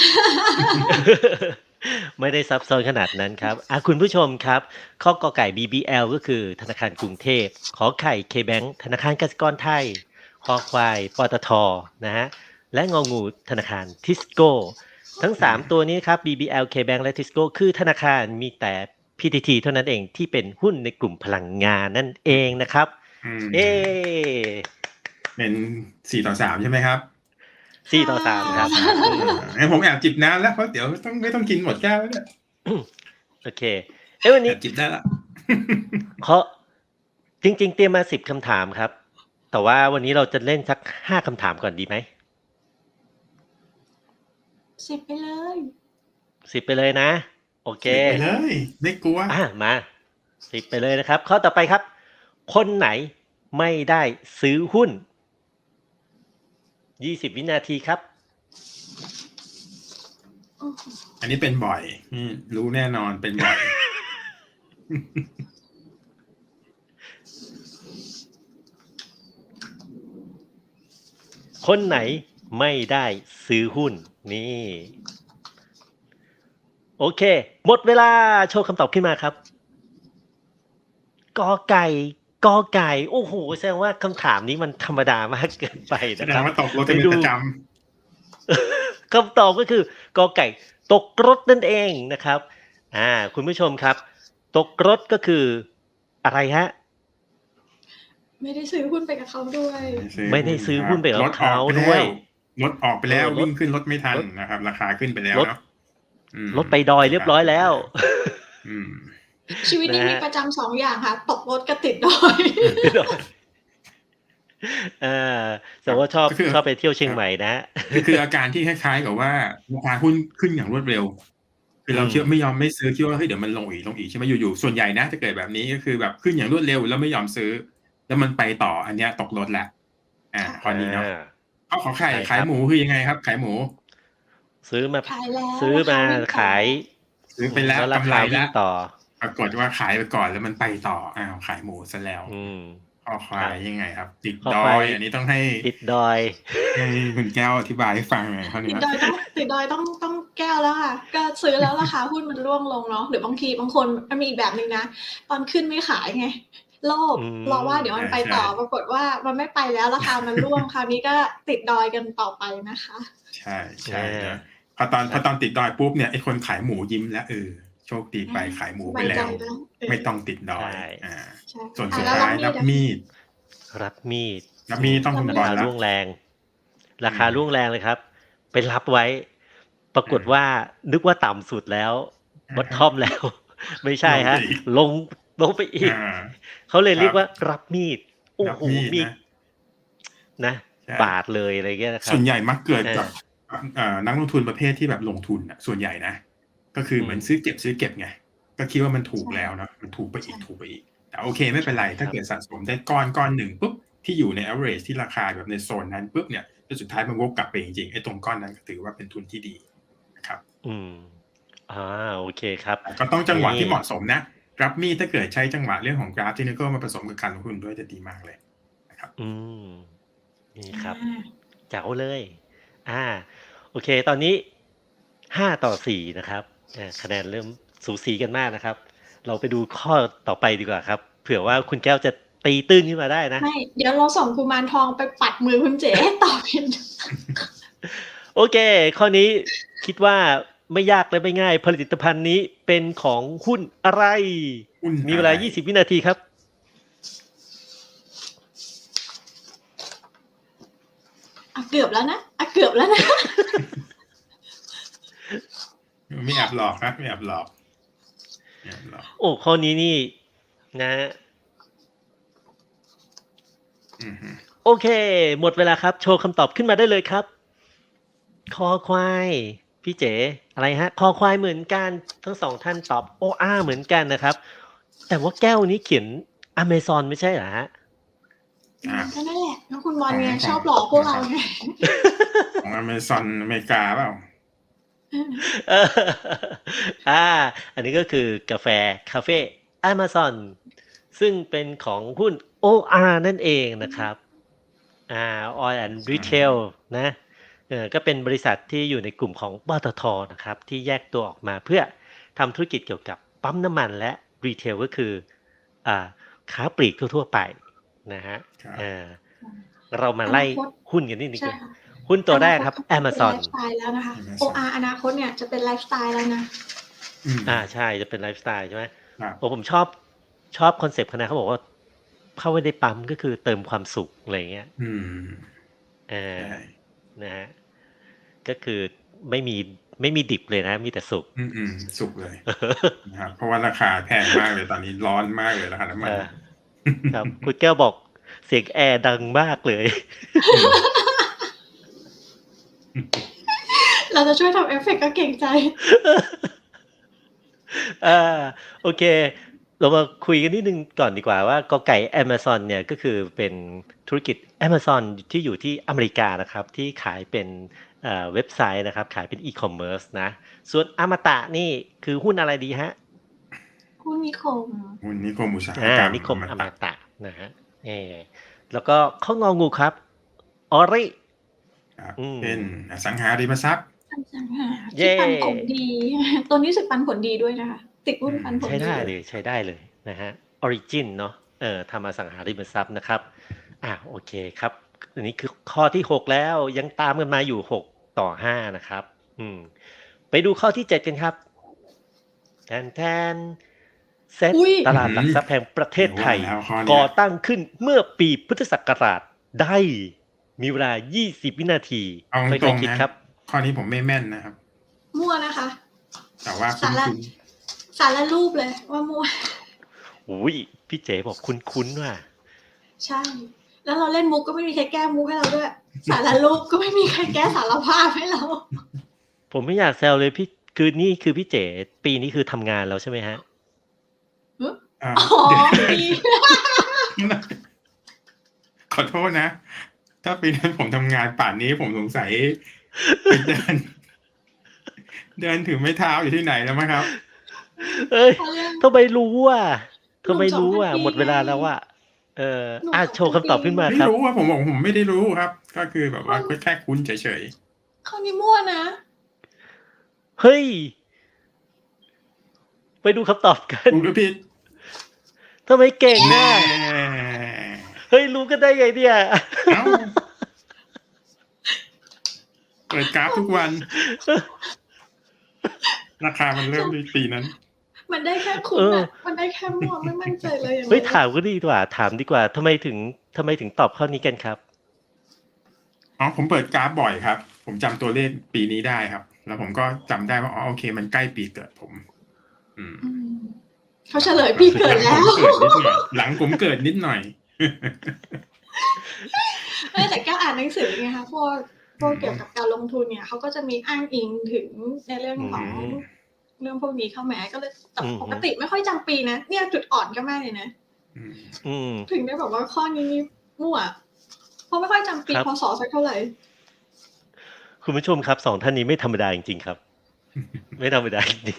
Speaker 1: ไม่ได้ซับซ้อนขนาดนั้นครับ อา คุณผู้ชมครับ ข้อกอไก่ บี บี แอล ก็คือธนาคารกรุงเทพ ขอไข่ เคแบงก์ ธนาคารกสิกรไทย คอควาย ปตท. นะครับ และงองู ธนาคารทิสโก้ ทั้ง สาม ตัวนี้ครับ บี บี แอล เคแบงก์ และทิสโก้ คือธนาคารมีแต่ พี ที ที เท่านั้นเองที่เป็นหุ้นในกลุ่มพลังงานนั่นเองนะครับ
Speaker 2: อืม
Speaker 1: เย้
Speaker 2: เป็น สี่ต่อสาม ใช่ไหมครับ?
Speaker 1: สี่ต่อสาม ครับ
Speaker 2: อา
Speaker 1: อืม
Speaker 2: งั้นผมแอบจิบน้ำแล้ว เพราะเดี๋ยวต้อง ไม่ต้องกินหมดแก้วแล้วเนี่ย
Speaker 1: โอเค เอ๊ะ วัน
Speaker 2: แอ
Speaker 1: นี้
Speaker 2: บจิบได้แล้ว
Speaker 1: เคาะ จริง ๆ เตรียมมา สิบ คำถามครับ แต่ว่าวันนี้เราจะเล่นสัก ห้า คำถามก่อนดีไหม?
Speaker 3: สิบ ไปเลย
Speaker 1: สิบ ไปเลยนะ โอเค
Speaker 2: สิบ ไปเลย ไม่กลัว
Speaker 1: อา มา สิบ ไปเลยนะครับ ข้อต่อไปครับ คนไหนไม่ได้ซื้อหุ้น? ยี่สิบ วินาทีครับ
Speaker 3: โอ้โฮ
Speaker 2: อันนี้เป็นบ่อย อืม รู้แน่นอน เป็นบ่อย
Speaker 1: คนไหนไม่ได้ซื้อหุ้น? นี่ โอเค หมดเวลา โชว์คำตอบขึ้นมาครับ กอไก่ กอไก่ โอ้โฮ แสดงว่าคำถามนี้มันธรรมดามาก เกินไป
Speaker 2: แส
Speaker 1: นะ
Speaker 2: ด
Speaker 1: ครั
Speaker 2: ง
Speaker 1: บ
Speaker 2: ว่าตกรถ
Speaker 1: ไปด
Speaker 2: กันเป็นูประจำ
Speaker 1: คำตอบก็คือ กอไก่ ตกรถนั่นเองนะครับ อา คุณผู้ชมครับ ตกรถก็คืออะไรครับ?
Speaker 3: ไม่ได้ซื้อหุ้นไปกับเขาด้วย
Speaker 1: ไม่ได้ซื้อหุ้นไปกับ
Speaker 2: รถ
Speaker 1: เข
Speaker 2: ออ
Speaker 1: าก
Speaker 2: ไป
Speaker 1: ด้
Speaker 2: แล
Speaker 1: ว้
Speaker 2: ว
Speaker 1: ย
Speaker 2: รถออกไป
Speaker 1: เอ
Speaker 2: แล้ว
Speaker 1: อ ร
Speaker 2: วิ่
Speaker 1: ถ
Speaker 2: งขึ้นรถไม่ทัน
Speaker 1: รถ
Speaker 2: นะครับ ราคาขึ้นไปแล้ว
Speaker 1: รถ
Speaker 2: เนาะ อืม
Speaker 1: รถไปดอยเรียบร้อยแล้ว
Speaker 2: อืม
Speaker 3: ชีวิต
Speaker 1: นะ
Speaker 3: นี้
Speaker 1: ค
Speaker 3: มี
Speaker 1: รับ
Speaker 3: ประจำ สอง อย่างค่ะ ตกรถกับติด ดอย
Speaker 1: ติดดอย อา แสดงว่าชอบ
Speaker 2: ก็คือ
Speaker 1: ชอบไปเที่ยวเชีย
Speaker 2: ครับ
Speaker 1: งใหม่นะ
Speaker 2: คือ คืออาการที่คล้าย ๆ กับว่า ราคาหุ้นขึ้นอย่างรวดเร็ว คือเรา
Speaker 1: อืม
Speaker 2: คิดว่า ไม่ยอมไม่ซื้อ คิดว่า เฮ้ย เดี๋ยวมันลงอีก ลงอีก ใช่ไหม อยู่ ๆ ส่วนใหญ่นะจะเกิดแบบนี้ ก็คือแบบขึ้นอย่างรวดเร็วแล้วไม่ยอมซื้อ แล้วมันไปต่อ อันเนี้ยตกรถแล้ว อา
Speaker 3: ค่ะ
Speaker 2: ข้อนี้เนาะ
Speaker 1: อา
Speaker 2: อ้าว ขอไข่
Speaker 1: ใช่
Speaker 2: ข
Speaker 1: ค
Speaker 2: าย
Speaker 1: รับ
Speaker 2: หมูคือยังไงครับ ขายหมู?
Speaker 1: ซื้อมา
Speaker 3: ขายแล้ว
Speaker 1: ซื้อ
Speaker 3: ราค
Speaker 1: มา
Speaker 3: วิ่งต่อ
Speaker 1: ขาย
Speaker 2: ซื้อ
Speaker 1: อื
Speaker 2: ไป
Speaker 1: ม
Speaker 2: แล้ว
Speaker 1: แล้วราก
Speaker 2: ำไร
Speaker 1: คา
Speaker 2: แ
Speaker 1: ว
Speaker 2: ลิ่้
Speaker 1: ง
Speaker 2: ว
Speaker 1: ต่อ
Speaker 2: ปรากฏว่าขายไปก่อนแล้วมันไปต่อ อ้าว ขายหมูเสียแล้ว
Speaker 1: อืม
Speaker 2: คอคว
Speaker 1: คร
Speaker 2: า
Speaker 1: ับ
Speaker 2: ยยังไงครับ? ติดด
Speaker 1: คอควา
Speaker 2: อย
Speaker 1: ย
Speaker 2: อันนี้ต้องให้
Speaker 1: ติดดอย
Speaker 2: ให้คุณแก้วอธิบายให้ฟังหน่อยข้อ
Speaker 3: ต
Speaker 2: เนิี้ย
Speaker 3: ดดอยต้อง ติดดอยต้อง ต้องแก้วแล้วค่ะ ก็ซื้อแล้วราคาหุ้นมันร่วงลงเนาะ หรือบางทีบางคน มันมีอีกแบบหนึ่งนะ ตอนขึ้นไม่ขายไง โลภ
Speaker 1: อื
Speaker 3: รอว่า
Speaker 1: ม
Speaker 3: เดี๋ยวมันไป
Speaker 2: ใช่
Speaker 3: ต่อ
Speaker 2: ๆ
Speaker 3: ปรากฏว่ามันไม่ไปแล้วราคามันร่วง คราวนี้ก็ติดดอยกันต่อไปนะคะ
Speaker 2: ใช่ ใช่
Speaker 1: อา
Speaker 2: นะ พอตอน
Speaker 1: คร
Speaker 2: พอั
Speaker 1: บ
Speaker 2: ตอนติดดอยปุ๊บเนี่ย ไอ้คนขายหมูยิ้มแล้ว เออ โชคดี
Speaker 3: อ
Speaker 2: ไป
Speaker 3: า
Speaker 2: ขายหมู
Speaker 3: สบาย
Speaker 2: ไปแล
Speaker 3: ใจ้
Speaker 2: ว
Speaker 3: แล้ว เอ
Speaker 2: ไม่
Speaker 3: อ
Speaker 2: ต้องติดด
Speaker 1: ใช
Speaker 2: อย
Speaker 1: ่
Speaker 2: อา
Speaker 3: ใช่
Speaker 2: ส่วน
Speaker 3: อ่า
Speaker 2: สุด
Speaker 3: แล้ว
Speaker 2: ท้าย
Speaker 3: รั
Speaker 2: รั
Speaker 3: บบ มีดอะ?
Speaker 2: มีด
Speaker 1: รับมีด
Speaker 2: รับมีดต้อง
Speaker 3: แล้
Speaker 2: คุ
Speaker 3: ว
Speaker 2: ณ
Speaker 3: มัน
Speaker 2: บอ
Speaker 1: รา
Speaker 2: ล
Speaker 1: คา
Speaker 2: แล้
Speaker 1: ร่
Speaker 2: ว
Speaker 1: วงแรง รา
Speaker 2: อื
Speaker 1: คาร่ว
Speaker 2: ม
Speaker 1: งแรงเลยครับ ไปรับไว้ ปรา
Speaker 2: อืม
Speaker 1: กฏว่า นึกว่าต่ำสุดแล้ว
Speaker 2: อะฮะ
Speaker 1: bottom แล้ว ไม่ใช่คร
Speaker 2: ลงไปั
Speaker 1: บ
Speaker 2: อีก
Speaker 1: ลง ลงไปอ
Speaker 2: อี
Speaker 1: ก
Speaker 2: า
Speaker 1: เขาเลยเรียก
Speaker 2: ครับ
Speaker 1: ว่ารับมีด โอ้
Speaker 2: รับ
Speaker 1: โฮ
Speaker 2: มีดน
Speaker 1: มีด
Speaker 2: ะ
Speaker 1: นะ
Speaker 2: ใช่
Speaker 1: บาดเลย อะไรเงี้ยนะค
Speaker 2: ส
Speaker 1: รั่บ
Speaker 2: วนใหญ่มักเกิด
Speaker 1: อ
Speaker 2: กับ
Speaker 1: า
Speaker 2: เอ่อ นักลงทุนประเภทที่แบบลงทุนน่ะ ส่วนใหญ่นะ ก็คือเหมือน
Speaker 1: อืม
Speaker 2: ซื้อเก็บ ๆ ไง ก็คิดว่ามันถู
Speaker 3: ใช
Speaker 2: ก่แล้วเนาะ มันถูกไป
Speaker 3: ใช
Speaker 2: อีก
Speaker 3: ่
Speaker 2: ถูกไปอีก แต่โอเคไม่
Speaker 1: ใ
Speaker 2: เ
Speaker 1: ช
Speaker 2: ป็น่ไร ถ้า
Speaker 1: ครับ
Speaker 2: เกิดสะสมได้ก้อน ก้อนหนึ่งปุ๊บ ที่อยู่ใน แอเวอเรจ ที่ราคาแบบในโซนนั้นปุ๊บเนี่ย แล้วสุดท้ายมันวกกลับไปจริง ๆ ไอ้ตรงก้อนนั้นก็ถือว่าเป็นทุนที่ดีนะครับ
Speaker 1: อืม อา โอเคครับ
Speaker 2: แต่ก็ต้องจังหวะ
Speaker 1: นี่
Speaker 2: ที่เหมาะสมนะ รับมีดถ้าเกิดใช้จังหวะเรื่องของ Graph Technical มาผสมกับการลงทุนด้วยจะดีมากเลยนะครับ
Speaker 1: อืม นี่
Speaker 3: อ
Speaker 1: ครับ
Speaker 3: า
Speaker 1: แจ๋วเลย อา โอเค ตอนนี้ ห้าต่อสี่ นะครับ อา คะแนนเริ่มสูสีกันมากนะครับ เราไปดูข้อต่อไปดีกว่าครับ เผื่อว่าคุณแก้วจะตีตื้นขึ้นมาได้นะ
Speaker 3: ไม่ เดี๋ยวเราส่งกุมารทองไปปัดมือคุณเจ๋ ให้ตอบผิด
Speaker 1: โอเค ข้อนี้คิดว่าไม่ยากและไม่ง่าย ผลิตภัณฑ์นี้เป็นของหุ้นอะไร?
Speaker 2: หุ้นอ
Speaker 1: มีเว
Speaker 2: ะไ
Speaker 1: ลา
Speaker 2: ร?
Speaker 1: ยี่สิบ วินาทีครับ
Speaker 3: อะ เกือบแล้วนะ อะ เกือบแล้ว นะ
Speaker 2: ไม่แอบหลอกนะ ไม่แอบหลอก ไม่แอบหลอก
Speaker 1: โอ้ ข้อนี้นี่ นะ
Speaker 2: อือฮึ
Speaker 1: โอเค หมดเวลาครับ โชว์คำตอบขึ้นมาได้เลยครับ คอควาย พี่เจ๋ อะไรฮะ คอควายเหมือนกัน ทั้ง สอง ท่านตอบ โออา เหมือนกันนะครับ แต่ว่าแก้วนี้เขียน Amazon ไม่ใช่เหรอครับ?
Speaker 3: อื
Speaker 2: อ่า
Speaker 3: ก็นั่นแหละ ก็คุณบอ
Speaker 2: ข
Speaker 3: ล
Speaker 2: อง
Speaker 3: ไง
Speaker 2: ข
Speaker 3: ชอบหลอกพวกเรา
Speaker 2: ของ
Speaker 3: ไง
Speaker 2: ของ Amazon อเมริกาเปล่า?
Speaker 1: เออ อา อันนี้ก็คือกาแฟคาเฟ Amazon ซึ่งเป็นของหุ้น โออา นั่นเองนะครับ อ่า Oil and
Speaker 2: ใช่
Speaker 1: Retail นะ เอ่อ ก็เป็นบริษัทที่อยู่ในกลุ่มของ ปตท. นะครับ ที่แยกตัวออกมาเพื่อทำธุรกิจเกี่ยวกับปั๊มน้ำมัน และ Retail ก็คือ อ่า ค้าปลีกทั่ว ๆ ไปนะครับ
Speaker 2: ครับ
Speaker 1: เอ่อ เรามา
Speaker 3: อ
Speaker 1: ไล่
Speaker 3: นาคต
Speaker 1: หุ้นกันนิดหนึ่ง
Speaker 3: ใช่
Speaker 1: กัน
Speaker 3: ค่ะ
Speaker 1: หุ้นตัว
Speaker 3: อนาคต
Speaker 1: แรกครับ
Speaker 3: เขาจะเป็นไล
Speaker 1: Amazon
Speaker 3: ฟ์สไตล์แล้วนะคะ โอ
Speaker 2: Amazon
Speaker 3: อาร์ อนาคตเนี่ยจะเป็นไลฟ์สไตล์แล้วนะ
Speaker 2: อืม
Speaker 1: อา ใช่ จะเป็นไลฟ์สไตล์ ใช่ไหม
Speaker 2: ครับ
Speaker 1: โอ้ ผมชอบ ชอบคอนเซปต์เขานะ เขาบอกว่า เข้าไปในปั๊ม ก็คือเติมความสุข อะไรอย่างเงี้ย
Speaker 2: อืม
Speaker 1: เออ
Speaker 2: ใช่
Speaker 1: นะครับ ก็คือไม่มี ไม่มีดิบเลยนะ มีแต่สุก
Speaker 2: อืม ๆ สุกเลย นะครับ เพราะว่าราคาแพงมากเลย ตอนนี้ร้อนมากเลยราคาน้ำมั
Speaker 1: เ
Speaker 2: น
Speaker 1: ออ ครับ คุณแก้วบอกเสียงแอร์ดังมากเลย
Speaker 2: อืม
Speaker 3: เราจะช่วยทำเอฟเฟกต์ก็เกรงใจ
Speaker 1: อา โอเค เรามาคุยกันนิดหนึ่งก่อนดีกว่าว่า กอไก่ Amazon เนี่ย ก็คือเป็นธุรกิจ Amazon ที่อยู่ที่อเมริกานะครับ ที่ขายเป็น เอ่อ เว็บไซต์นะครับ ขายเป็น E-commerce นะ ส่วนอมตะนี่คือหุ้นอะไรดีครับ?
Speaker 3: หุ้นนิคม
Speaker 2: หุ้นนิคมอุตสาห
Speaker 1: อา
Speaker 2: กรรม
Speaker 1: นิคม
Speaker 2: อมตะ
Speaker 1: อมตะนะครับ เอ แล้วก็ข้ององูครับ ออริ
Speaker 2: ครับ
Speaker 1: อืม
Speaker 2: เป็นอสังหาริมทรัพย์
Speaker 3: อสังหา
Speaker 1: เย
Speaker 3: ที่
Speaker 1: ้
Speaker 3: ปันผลดี ตัวนี้รู้สึกปันผลดีด้วยนะคะ ติดหุ้นปันผ
Speaker 1: ใ
Speaker 3: ล
Speaker 1: ช้ไ
Speaker 3: ดี
Speaker 1: ด้
Speaker 3: เล
Speaker 1: เลย ย ใช้ได้เลยนะครับ Origin เนาะ เอ่อ ทำอสังหาริมทรัพย์นะครับ อา โอเคครับ อันนี้คือข้อที่ หก แล้ว ยังตามกันมาอยู่ หกต่อห้า นะครับ อืม ไปดูข้อที่ เจ็ด กันครับ แทน ๆ เซต
Speaker 3: อุ๊ย
Speaker 1: ต
Speaker 2: อื้อฮ
Speaker 1: ลาดืหลัก
Speaker 2: อ
Speaker 1: ทรัพย์แห่งประเท
Speaker 2: เดี๋
Speaker 1: ศ
Speaker 2: ยว
Speaker 1: ไทย
Speaker 2: ว่าแล้วข้อเน
Speaker 1: กี่่
Speaker 2: ย
Speaker 1: อตั้งขึ้นเมื่อปีพุทธศักราชใด มีเวลา ยี่สิบ วินาที
Speaker 2: เอา
Speaker 1: ค่อย
Speaker 2: ตรง
Speaker 1: ๆ คิ
Speaker 2: ๆ นะ
Speaker 1: ดครับ
Speaker 2: ข้อนี้ผมไม่แม่นนะครับ
Speaker 3: มั่วนะคะ
Speaker 2: แต่ว่าค
Speaker 3: สาระ
Speaker 2: ุ้น ๆ
Speaker 3: สารรูปเลยว่ามั่ว
Speaker 1: โอ้โฮ พี่เจ๋บอกคุ้น ๆ ว่ะ
Speaker 3: ใช่ แล้วเราเล่นมุกก็ไม่มีใครแก้มุกให้เราด้วย สารรูปก็ไม่มีใครแก้สารภาพให้เรา
Speaker 1: ผมไม่อยากแซวเลยพี่ คือนี่คือพี่เจ๋ ปีนี้คือทำงานแล้วใช่ไหมครับ?
Speaker 3: หือ
Speaker 2: อ่า
Speaker 3: อ๋อ
Speaker 2: เดี๋ยว
Speaker 3: ปี
Speaker 2: ขอโทษนะ ถ้าปีนั้นผมทำงานป่านนี้ผมสงสัย ไปเดิน เดินถือไม้เท้าอยู่ที่ไหนแล้วมั้งครับ
Speaker 1: เฮ้ย
Speaker 3: เขาเรียก
Speaker 1: ทำไมรู้อะ ทำไมรู้อะ
Speaker 3: หนุ่ม สองพัน ปี
Speaker 1: หมดเวลา
Speaker 3: ไง
Speaker 1: แล้วอะ เออ
Speaker 3: หนุ่ม
Speaker 1: อา
Speaker 3: สอง
Speaker 1: โช
Speaker 3: พั
Speaker 1: ว์คำตอบขึ้นมา
Speaker 3: ปี
Speaker 2: ไม่
Speaker 1: ครับ
Speaker 2: รู้อะ ผมบอกผมไม่ได้รู้ครับ ก็คือแบบว่า
Speaker 3: ข้อ
Speaker 2: ก็แค่คุ้นเฉย ๆ
Speaker 3: ข้อนี้มั่วนะ
Speaker 1: เฮ้ย ไปดูคำตอบกัน
Speaker 2: ถูกหรือผิด?
Speaker 1: ทำไมเก่ง
Speaker 2: แน
Speaker 1: อะ
Speaker 2: ่
Speaker 1: เฮ้ย รู้กันได้ไงเนี่ย?
Speaker 2: อ้าว เปิดกราฟทุกวัน ราคามันเริ่มที่ปีนั้น
Speaker 3: มันได้แค่คุ้
Speaker 1: เอน อ
Speaker 3: อะ มันได้แค่มั่ว ไม่มั่นใจเลยอย่าง
Speaker 1: เฮ้ย
Speaker 3: นั้น
Speaker 1: ถามก็ดีกว่า ถามดีกว่า ทำไมถึง ทำไมถึงตอบข้อนี้กันครับ?
Speaker 2: อ๋อ ผมเปิดกราฟบ่อยครับ ผมจำตัวเลขปีนี้ได้ครับ แล้วผมก็จำได้ว่า อ๋อ โอเค มันใกล้ปีเกิดผม อืม
Speaker 3: อืม เขาเฉลยปีเกิดแล้ว
Speaker 2: หลังผมเกิดนิดหน่อย หลังผมเกิดนิดหน่อย
Speaker 3: ไม่ แต่แก้วอ่านหนังสือไงคะ พวก พวกเกี่ยวกับการลงทุนเนี่ย เขาก็จะมีอ้างอิงถึงในเรื่อง
Speaker 1: อื
Speaker 3: ของ
Speaker 1: ม
Speaker 3: เรื่องพวกนี้เข้ามา ก็เลย แต่
Speaker 1: อือ
Speaker 3: ป
Speaker 1: ฮึ
Speaker 3: กติไม่ค่อยจำปีนะ เนี่ยจุดอ่อนก็มากเลยนะ
Speaker 2: อืม
Speaker 1: อืม
Speaker 3: ถึงได้บอกว่าข้อนี้นี่มั่ว เพราะไม่ค่อยจำปี
Speaker 1: ครับ
Speaker 3: พ.ศ. สักเท่าไร
Speaker 1: คุณผู้ชมครับ สอง ท่านนี้ไม่ธรรมดาจริง ๆ ครับ ไม่ธรรมดา จริง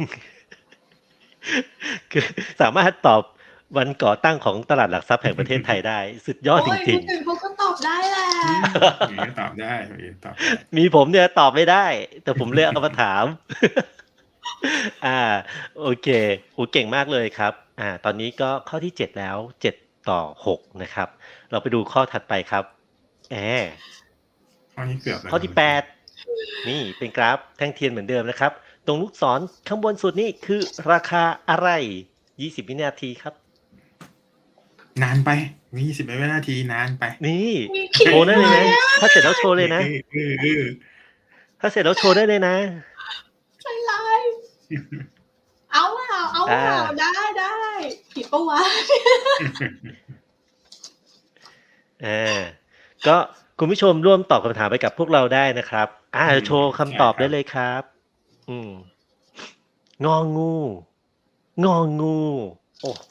Speaker 1: ๆ คือสามารถตอบวันก่อตั้งของตลาดหลักทรัพย์แห่งประเทศไทยได้ สุดยอด
Speaker 3: โอ๊ย
Speaker 1: จริง
Speaker 3: คนอื่นเขาก็ตอบได้แหละ
Speaker 2: อืม อย่างงี้ก็ตอบได้ อย่างงี้ก็ตอบได้
Speaker 1: ๆ มีผมเนี่ยตอบไม่ได้ แต่ผมเลยเอามาถาม อา โอเค โอ้ เก่งมากเลยครับ อ่า ตอนนี้ก็ข้อที่ เจ็ด แล้ว เจ็ดต่อหก นะครับ เราไปดูข้อถัดไปครับ แอ
Speaker 2: ข้อนี้เกือบแล้ว
Speaker 1: ข้อที่ แปด นี่เป็นกราฟแท่งเทียนเหมือนเดิมนะครับ ตรงลูกศรข้างบนสุดนี่คือราคาอะไร? ยี่สิบ วินาทีครับ
Speaker 2: นานไป ยี่สิบ วินาที นานไป
Speaker 1: นี่
Speaker 3: มีขิง
Speaker 1: โชว์ได้เลยนะ
Speaker 3: ด้วยอะ
Speaker 1: ถ้าเสร็จแล้วโชว์เลยนะ
Speaker 2: เออ ๆ ๆ
Speaker 1: ถ้าเสร็จแล้วโชว์ได้เลยนะ
Speaker 3: ใจร้าย เอาเปล่า เอาเปล่า
Speaker 1: อา
Speaker 3: ได้ ๆ ผิดเปล่าวะ?
Speaker 1: เออ่าก็คุณผู้ชมร่วมตอบคำถามไปกับพวกเราได้นะครับอ่า
Speaker 2: อืม
Speaker 1: โชว์คำตอบ
Speaker 2: ใช่ครับ
Speaker 1: ได้เลยครับ อืมงองู งองู โอ้โห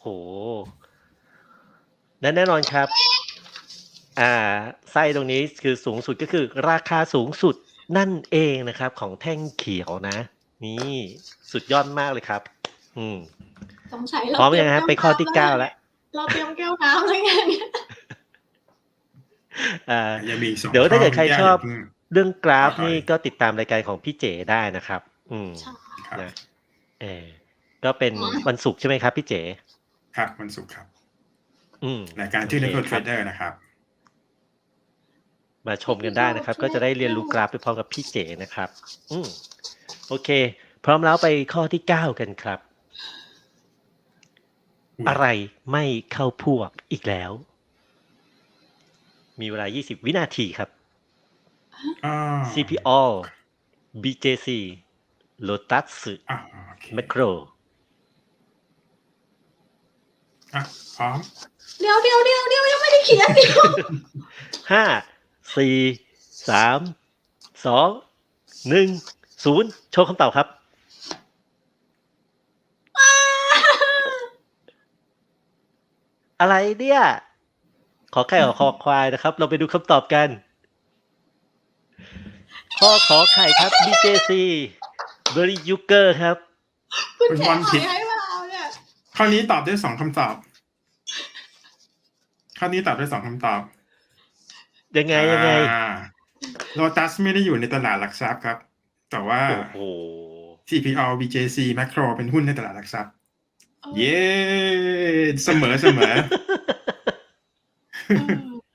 Speaker 1: และแน่นอนครับ อ่าไส้ตรงนี้คือสูงสุดก็คือราคาสูงสุดนั่นเองนะครับ ของแท่งเขียวนะ นี่สุดยอดมากเลยครับ อืม
Speaker 3: สงสัย
Speaker 1: พ
Speaker 3: เรา
Speaker 1: ร้อม
Speaker 3: เตรี
Speaker 1: ยั
Speaker 3: ย
Speaker 1: ง
Speaker 3: ม
Speaker 1: ฮะ
Speaker 3: แก้ว
Speaker 1: ไปข้อ
Speaker 3: น้ำ
Speaker 1: ที่
Speaker 3: แล้ว
Speaker 1: เก้า
Speaker 3: นะ
Speaker 1: แล้ว
Speaker 3: เราเตรียมแก้วน้ำแล้วไงเนี่ย
Speaker 1: อ่า
Speaker 2: ยังมีอีกสอง
Speaker 1: เดี๋ยว
Speaker 2: ข้
Speaker 1: ถ้า
Speaker 2: อ
Speaker 1: เกิดใคร
Speaker 2: คุณแก้ว
Speaker 1: ช
Speaker 2: อ
Speaker 1: อบ
Speaker 2: ย่าเพิ่ง
Speaker 1: เรื่องกราฟ
Speaker 2: ต่อ
Speaker 1: นี่
Speaker 2: อีก
Speaker 1: ก็ติดตามรายการของพี่เจ๋ได้นะครับ อืม
Speaker 3: ใช่
Speaker 2: ครับ
Speaker 1: นะ เออ ก็เป็น
Speaker 3: อ๋อ
Speaker 1: วันศุกร์ใช่ไหมครับพี่เจ๋?
Speaker 2: ครับ วันศุกร์ครับ
Speaker 1: อืม
Speaker 2: รายการ
Speaker 1: โอ
Speaker 2: ชื่อ
Speaker 1: เค
Speaker 2: Necro
Speaker 1: ครับ
Speaker 2: Trader นะครับ
Speaker 1: มาชมกันได้นะครับ ก็จะได้เรียนรู้กราฟไปพร้อมกับพี่เจ๋นะครับ อืม โอเค พร้อมแล้วไปข้อที่ เก้า กันครับ
Speaker 2: อุ๊ย
Speaker 1: อะไรไม่เข้าพวกอีกแล้ว? มีเวลา ยี่สิบ วินาทีครับ
Speaker 2: อ้อ
Speaker 1: ซี พี ออ บี เจ ซี Lotus
Speaker 2: อา โอเค
Speaker 1: Macro
Speaker 2: อะ พร้อม
Speaker 3: เดี๋ยว ๆ ๆ ๆ ยังไม่ได้เขียน เดี๋ยว
Speaker 1: ห้า สี่ สาม สอง หนึ่ง ศูนย์ โชว์คำตอบครับ อะไรเนี่ย? ขอไข่ ขอคอควายนะครับ เราไปดูคำตอบกัน ข้อขอไข่ครับ บี เจ ซี Berry Yuger ครับ
Speaker 3: คุณ
Speaker 2: คุณ
Speaker 3: เจ๋
Speaker 2: บอล
Speaker 3: อ่อ
Speaker 2: ผิ
Speaker 3: ย
Speaker 2: ด
Speaker 3: ให้เปล่าเนี่ย?
Speaker 2: ข้อนี้ตอบได้ สอง คำตอบ ข้อนี้ตอบได้ สอง คำตอบ
Speaker 1: ยังไง
Speaker 2: อา
Speaker 1: ยังไง?
Speaker 2: Lotus ไม่ได้อยู่ในตลาดหลักทรัพย์ครับ แต่ว่า
Speaker 1: โอ้โฮ
Speaker 2: ซี พี ออ บี เจ ซี Macro เป็นหุ้นในตลาดหลักทรัพย์
Speaker 3: เออ
Speaker 2: เย้ เสมอ ๆ
Speaker 3: เออ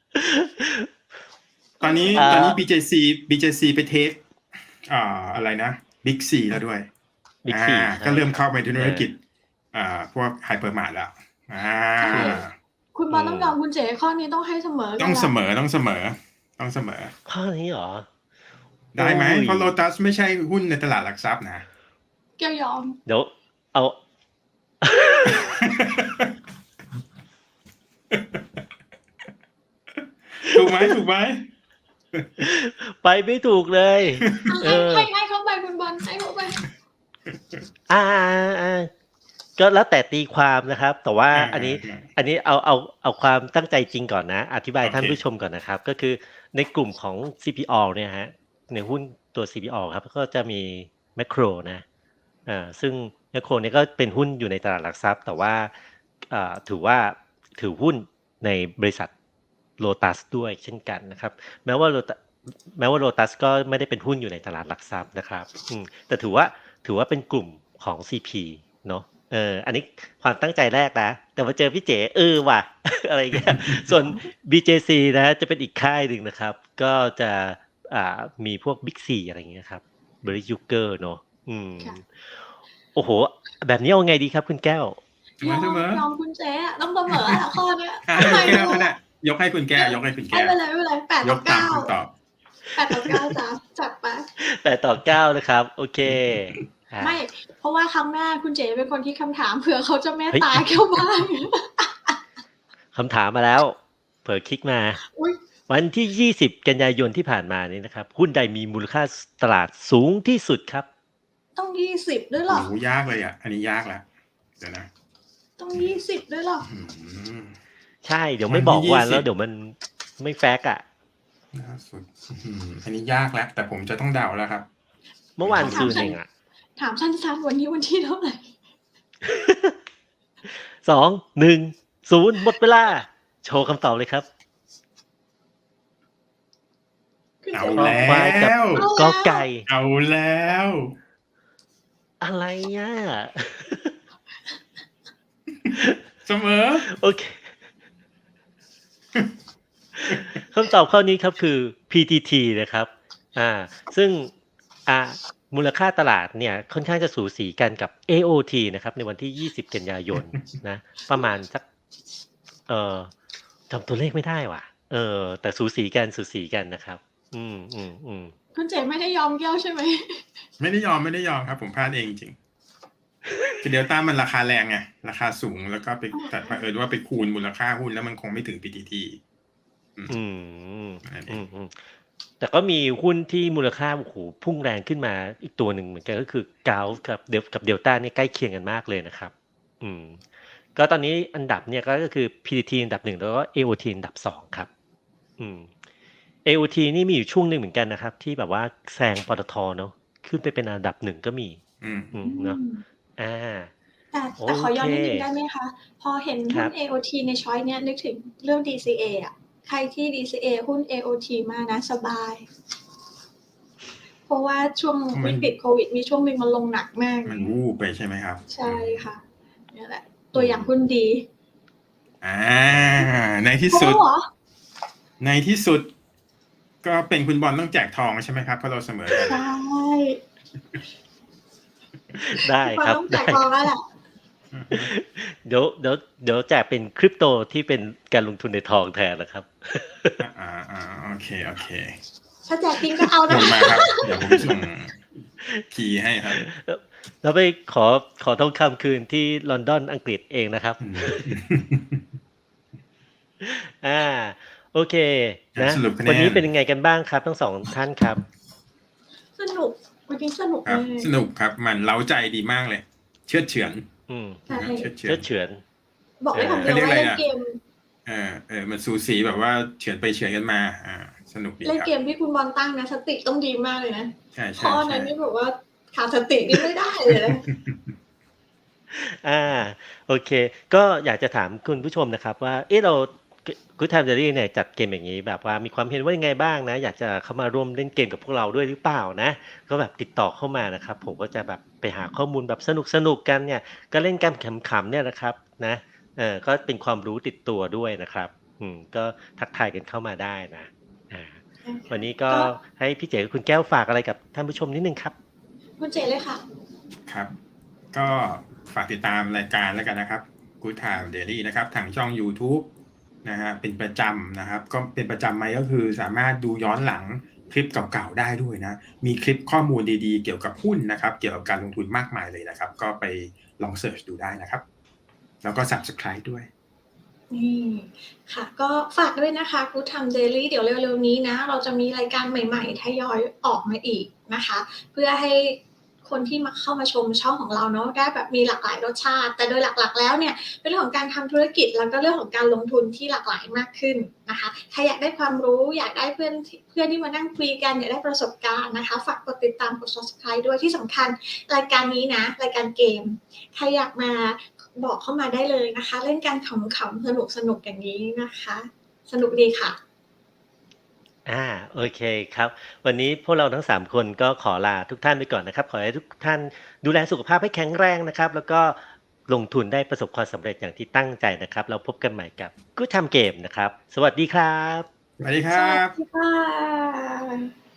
Speaker 2: ตอนนี้
Speaker 1: อ่า
Speaker 2: ตอนนี้ บี เจ ซี บี เจ ซี ไป take อ่า อะไรนะ Big C แล้วด้วย
Speaker 1: Big
Speaker 2: อา
Speaker 1: C ใช่
Speaker 2: ก็เริ่ม
Speaker 1: ครั
Speaker 2: เข้า
Speaker 1: บ
Speaker 2: ไปในธุ
Speaker 1: เอ
Speaker 2: ร
Speaker 1: อ
Speaker 2: กิจ อ่า พวก Hypermart แล้ว อา
Speaker 3: ใช่ คุณบอลต้องยอมคุณเจ๋ ข้อนี้ต้องให้เสมอกั
Speaker 2: ต้
Speaker 3: น
Speaker 2: อง
Speaker 3: แหล
Speaker 2: เส
Speaker 3: ะ
Speaker 2: มอ ต้องเสมอ ต้องเสมอ
Speaker 1: ข้อนี้เหรอ?
Speaker 2: ได้ไหม?
Speaker 1: โอ้ย
Speaker 2: เพราะ Lotus ไม่ใช่หุ้นในตลาดหลักทรัพย์นะ
Speaker 3: แก้วยอม
Speaker 1: เดี๋ยว เอา
Speaker 2: ถูกไหม ถูกไหม?
Speaker 1: ไปไม่ถูกเลย เอ
Speaker 3: ให้
Speaker 1: อ
Speaker 3: ให้ ให้เขาไปคุณบอล ให้เขาไป
Speaker 1: อา ๆ ๆ ก็แล้วแต่ตีความนะครับ แต่ว่า
Speaker 2: อา
Speaker 1: อันนี้
Speaker 2: ๆ
Speaker 1: อันนี้เอา เอา เอาความตั้งใจจริงก่อนนะ อธิบาย
Speaker 2: โอเค
Speaker 1: ท่านผู้ชมก่อนนะครับ ก็คือในกลุ่มของ ซี พี ออ เนี่ยครับ ในหุ้นตัว ซี พี ออ ครับ ก็จะมี Macro นะ อ่า ซึ่ง Macro เนี่ยก็เป็นหุ้นอยู่ในตลาดหลักทรัพย์ แต่ว่า อ่า ถือว่า ถือหุ้นในบริษัท Lotus ด้วยเช่นกันนะครับ แม้ว่า Lota แม้ว่า Lotus ก็ไม่ได้เป็นหุ้นอยู่ในตลาดหลักทรัพย์นะครับ อืม แต่ถือว่า ถือว่าเป็นกลุ่มของ ซี พี เนาะ เออ อันนี้ความตั้งใจแรกนะ แต่มาเจอพี่เจ๋ เออว่ะ อะไรอย่างเงี้ย ส่วน บี เจ ซี นะจะเป็นอีกค่ายหนึ่งนะครับ ก็จะ อ่า มีพวก Big C อะไรอย่างเงี้ยครับ Berry Yuger เนาะ อืม
Speaker 3: ค่ะ
Speaker 1: โอ้โฮ แบบนี้เอาไงดีครับคุณแก้ว?
Speaker 2: เสม
Speaker 3: ยอ
Speaker 2: อ
Speaker 3: ม
Speaker 2: เสมอ
Speaker 3: ยอมคุณเจ๊อะ ต้องเสมออะข้อเนี้ย
Speaker 2: อา
Speaker 3: ทำไม
Speaker 2: ให้คุณแก้ว
Speaker 3: ดู
Speaker 2: ก็ได้ ยกให้คุณแก้ว ยกให้คุณ
Speaker 3: ไม่
Speaker 2: แก้ว
Speaker 3: เป็นไร ไม่เป็นไร แปด
Speaker 2: ย
Speaker 3: ต่อก
Speaker 2: ตา
Speaker 3: เก้า
Speaker 2: มคำตอบ
Speaker 3: แปด ต่อ เก้า จ้ะ จัดไป
Speaker 1: แปด ต่อ เก้า นะครับ โอเค อา
Speaker 3: ไม่ เพราะว่าครั้งหน้าคุณเจ๋เป็นคนคิดคำถาม เผื่อเขาจะเมต
Speaker 1: เฮ้ย
Speaker 3: ตาแก้วบ้าง
Speaker 1: คำถามมาแล้ว เผลอคลิกมา
Speaker 3: อุ๊ย
Speaker 1: วันที่ ยี่สิบ กันยายนที่ผ่านมานี้นะครับ หุ้นใดมีมูลค่า ส ตลาดสูงที่สุดครับ?
Speaker 3: ต้อง ยี่สิบ ด้วยเหร
Speaker 2: โอ้
Speaker 3: อ?
Speaker 2: โฮ ยากเลยอะ อันนี้ยากแล้ว เดี๋ยวนะ
Speaker 3: ต้อง ยี่สิบ ด้วยเหรอ?
Speaker 2: อื้อฮือ
Speaker 1: ใช่ เดี๋ยว
Speaker 2: วั
Speaker 1: ไม่
Speaker 2: น
Speaker 1: บ
Speaker 2: ที
Speaker 1: อก
Speaker 2: ่ ยี่
Speaker 1: วัน
Speaker 2: ส
Speaker 1: แลิ้ว
Speaker 2: บ
Speaker 1: เดี๋ยวมันไม่แฟกต์อะ
Speaker 2: ล่าสุด อื้อฮือ อันนี้ยากแล้ว แต่ผมจะต้องเดาแล้วครับ
Speaker 1: เมื่อวาน
Speaker 3: ถา
Speaker 1: ซื
Speaker 3: ม
Speaker 1: น
Speaker 3: สั
Speaker 1: เอน งอะ
Speaker 3: ถามสั้น ๆ วันนี้วันที่เท่าไร?
Speaker 1: สอง หนึ่ง ศูนย์ หมดเวลา โชว์คำตอบเลยครับ
Speaker 3: คุณ
Speaker 2: เอ
Speaker 3: เจ
Speaker 2: า
Speaker 3: ๋
Speaker 1: คอ
Speaker 2: แล้
Speaker 1: ควาย กับ
Speaker 2: ว
Speaker 3: เอา
Speaker 1: ก
Speaker 3: แล้ว
Speaker 1: ไก่
Speaker 2: เอาแล้ว
Speaker 1: อะไรอะ?
Speaker 2: เสมอ
Speaker 1: โอเค คำตอบข้อนี้ครับคือ พี ที ที นะครับ อ่า ซึ่ง อ่า มูลค่าตลาดเนี่ยค่อนข้างจะสูสีกันกับ เอ โอ ที นะครับ ในวันที่ ยี่สิบ กันยายนนะ ประมาณสัก เอ่อ จำตัวเลขไม่ได้ว่ะ เออ แต่สูสีกัน สูสีกันนะครับ อืม ๆ ๆ
Speaker 3: คุณเจ๋ไม่ได้ยอมแก้วใช่ไหม?
Speaker 2: ไม่ได้ยอม ไม่ได้ยอมครับ ผมพลาดเองจริง ๆ คือ Delta มันราคาแรงไง ราคาสูง แล้วก็ไป
Speaker 3: อ๋อ
Speaker 2: แต่เผอิญว่าไปคูณมูลค่าหุ้นแล้วมันคงไม่ถึง พี ที ที ออืม
Speaker 1: อืม
Speaker 2: นั่นเอ
Speaker 1: อื
Speaker 2: ง
Speaker 1: ม ๆ แต่ก็มีหุ้นที่มูลค่า โอ้โฮ พุ่งแรงขึ้นมาอีกตัวหนึ่งเหมือนกัน ก็คือ Gulf กับเดล กับ Delta เนี่ยใกล้เคียงกันมากเลยนะครับ อืม ก็ตอนนี้อันดับเนี่ยก็ ก็คือ พี ที ที อันดับ หนึ่ง แล้วก็ เอ โอ ที อันดับ สอง ครับ อืม เอ โอ ที นี่มีอยู่ช่วงหนึ่งเหมือนกันนะครับ ที่แบบว่าแซง ปตท. เนาะ ขึ้นไปเป็นอันดับ หนึ่ง ก็มี
Speaker 2: อืม
Speaker 1: อื
Speaker 3: อื
Speaker 1: ม เนาะ
Speaker 3: ม
Speaker 1: อา
Speaker 3: แต่
Speaker 1: โอ
Speaker 3: แต่ขอ
Speaker 1: เ
Speaker 3: ย้
Speaker 1: ค
Speaker 3: อนนิดหนึ่งได้ไหมคะ? พอเห็น
Speaker 1: คร
Speaker 3: หุ้
Speaker 1: ั
Speaker 3: น
Speaker 1: บ
Speaker 3: เอ โอ ที ในช้อยส์เนี้ย นึกถึงเรื่อง ดี ซี เอ อะ ใครที่ ดี ซี เอ หุ้น เอ โอ ที มากนะสบาย เพราะว่าช่วงว
Speaker 2: เพราะมั
Speaker 3: ิ
Speaker 2: น
Speaker 3: กฤตโควิดมีช่วงหนึ่งมันลงหนักมาก
Speaker 2: มัน
Speaker 3: เงี้ย
Speaker 2: วูบไปใช่ไหมครับ?
Speaker 3: ใช
Speaker 2: อื่ม
Speaker 3: ค่ะ เนี่ยแหละ
Speaker 1: อ
Speaker 3: ตืัวอย่าง
Speaker 1: ม
Speaker 3: หุ้นดี
Speaker 2: อา ในที่ส
Speaker 3: ครบแลุ้
Speaker 2: ด
Speaker 3: วเหรอ?
Speaker 2: ในที่สุด ก็เป็นคุณบอลต้องแจกทองใช่ไหมครับ? เพราะเราเสมอกัน
Speaker 3: ใช่
Speaker 1: ได้
Speaker 3: คุณบอ
Speaker 1: ครับ
Speaker 3: ลต้องแ
Speaker 1: ไ
Speaker 3: จ
Speaker 1: ด้
Speaker 3: กทองแล้วแหละ
Speaker 2: อือฮึ
Speaker 1: เดี๋ยว เดี๋ยว เดี๋ยวแจกเป็น Crypto ที่เป็นการลงทุนในทองแทนนะครับ
Speaker 2: อ อา ๆ โอเค ๆ
Speaker 3: ถ้าแจกจริงก็เอาน
Speaker 2: ส่
Speaker 3: ะ
Speaker 2: ง
Speaker 3: คะ
Speaker 2: มาครับ เดี๋ยวผมส่ง คีย์ให้ครับ
Speaker 1: แล้ว แล้วไปขอ ขอทองคำคืนที่ลอนดอน อังกฤษเองนะครับ
Speaker 2: อืม
Speaker 1: อา โอเค
Speaker 2: อ่า
Speaker 1: นะ
Speaker 2: สรุปคะแ
Speaker 1: ว
Speaker 2: นั
Speaker 1: นนี้
Speaker 2: น
Speaker 1: เป็นยังไงกันบ้างครับ ทั้ง สอง ท่านครับ?
Speaker 3: สนุก วันนี้สนุก
Speaker 2: ครั
Speaker 3: มา
Speaker 2: บ
Speaker 3: ก
Speaker 2: สนุกครับ มันเร้าใจดีมากเลย เฉือดเฉือน
Speaker 1: อืม
Speaker 3: ใช่
Speaker 2: นะครับ เฉือดเฉื
Speaker 1: เชืื
Speaker 2: อน
Speaker 1: อดเฉือน
Speaker 3: บอก
Speaker 1: เอ
Speaker 3: ได้คำ
Speaker 1: อ
Speaker 3: เ
Speaker 2: เ
Speaker 3: ด
Speaker 2: ขีา
Speaker 3: ยว
Speaker 2: เรียก
Speaker 3: ว่
Speaker 2: อ
Speaker 3: า
Speaker 2: ะไร
Speaker 3: เล่น
Speaker 2: อะ?
Speaker 3: เกม
Speaker 2: เออ เออ มันสูสีแบบว่าเฉือนไปเฉือนกันมา อา สนุกดี
Speaker 3: เล่น
Speaker 2: ครั
Speaker 3: เก
Speaker 2: บ
Speaker 3: มที่คุณบอลตั้งนะ สติต้องดีมากเลยนะ
Speaker 2: ใช่
Speaker 3: ข้อนั้
Speaker 2: ๆ
Speaker 3: นนี่
Speaker 2: ๆ
Speaker 3: แบบว่าขาดสตินี่ไม่ได้เลยนะ
Speaker 1: อา โอเค ก็อยากจะถามคุณผู้ชมนะครับว่า เอ๊ะ เรา ก Good Time Diary เนี่ยจัดเกมอย่างงี้แบบว่ามีความเห็นว่ายังไงบ้างนะ? อยากจะเข้ามาร่วมเล่นเกมกับพวกเราด้วยหรือเปล่านะ? ก็แบบติดต่อเข้ามานะครับ ผมก็จะแบบไปหาข้อมูลแบบสนุก ๆ กันเนี่ย ก็เล่นกันขำ ๆ เนี่ยนะครับนะ เออ ก็เป็นความรู้ติดตัวด้วยนะครับ อืม ก็ทักทายกันเข้ามาได้นะ อา
Speaker 3: ใช่ค
Speaker 1: วั
Speaker 3: ่
Speaker 1: น
Speaker 3: ะ
Speaker 1: นี้ก็
Speaker 3: ก็
Speaker 1: ให้พี่เจ๋กับคุณแก้วฝากอะไรกับท่านผู้ชมนิดหนึ่งครับ
Speaker 3: คุณเจ๋เลยค่ะ
Speaker 2: ครับ ก็ฝากติดตามรายการแล้วกันนะครับ Good Time Diary นะครับ ทางช่องยูทูบนะครับ เป็นประจำนะครับ ก็เป็นประจำไหม ก็คือสามารถดูย้อนหลังคลิปเก่า ๆ ได้ด้วยนะ มีคลิปข้อมูลดี ๆ เกี่ยวกับหุ้นนะครับ เกี่ยวกับการลงทุนมากมายเลยนะครับ ก็ไปลองเซิร์ชดูได้นะครับ แล้วก็ Subscribe ด้วย
Speaker 3: นี่ ค่ะ ก็ฝากด้วยนะคะ Good Time Diary เดี๋ยวเร็ว ๆ นี้นะ เราจะมีรายการใหม่ ๆ ทยอยออกมาอีกนะคะ เพื่อให้คนที่มา เข้ามาชมช่องของเราเนาะ ได้แบบมีหลากหลายรสชาติ แต่โดยหลัก ๆ แล้วเนี่ย เป็นเรื่องของการทำธุรกิจ แล้วก็เรื่องของการลงทุนที่หลากหลายมากขึ้นนะคะ ใครอยากได้ความรู้ อยากได้เพื่อนที่ เพื่อนที่มานั่งคุยกัน อยากได้ประสบการณ์นะคะ ฝากกดติดตาม กด Subscribe ด้วย ที่สำคัญรายการนี้นะ รายการเกม ใครอยากมา บอกเข้ามาได้เลยนะคะ เล่นกันขำ ๆ สนุก ๆ อย่างนี้นะคะ สนุกดีค่ะ
Speaker 1: อา โอเคครับ วันนี้พวกเราทั้ง สาม คนก็ขอลาทุกท่านไปก่อนนะครับ ขอให้ทุกท่านดูแลสุขภาพให้แข็งแรงนะครับ แล้วก็ลงทุนได้ประสบความสำเร็จอย่างที่ตั้งใจนะครับ แล้วพบกันใหม่กับ Good Time Game นะครับ สวัสดีครับ
Speaker 2: สวัสดีคร
Speaker 3: สัวัส
Speaker 2: บ
Speaker 3: ดีค่ะ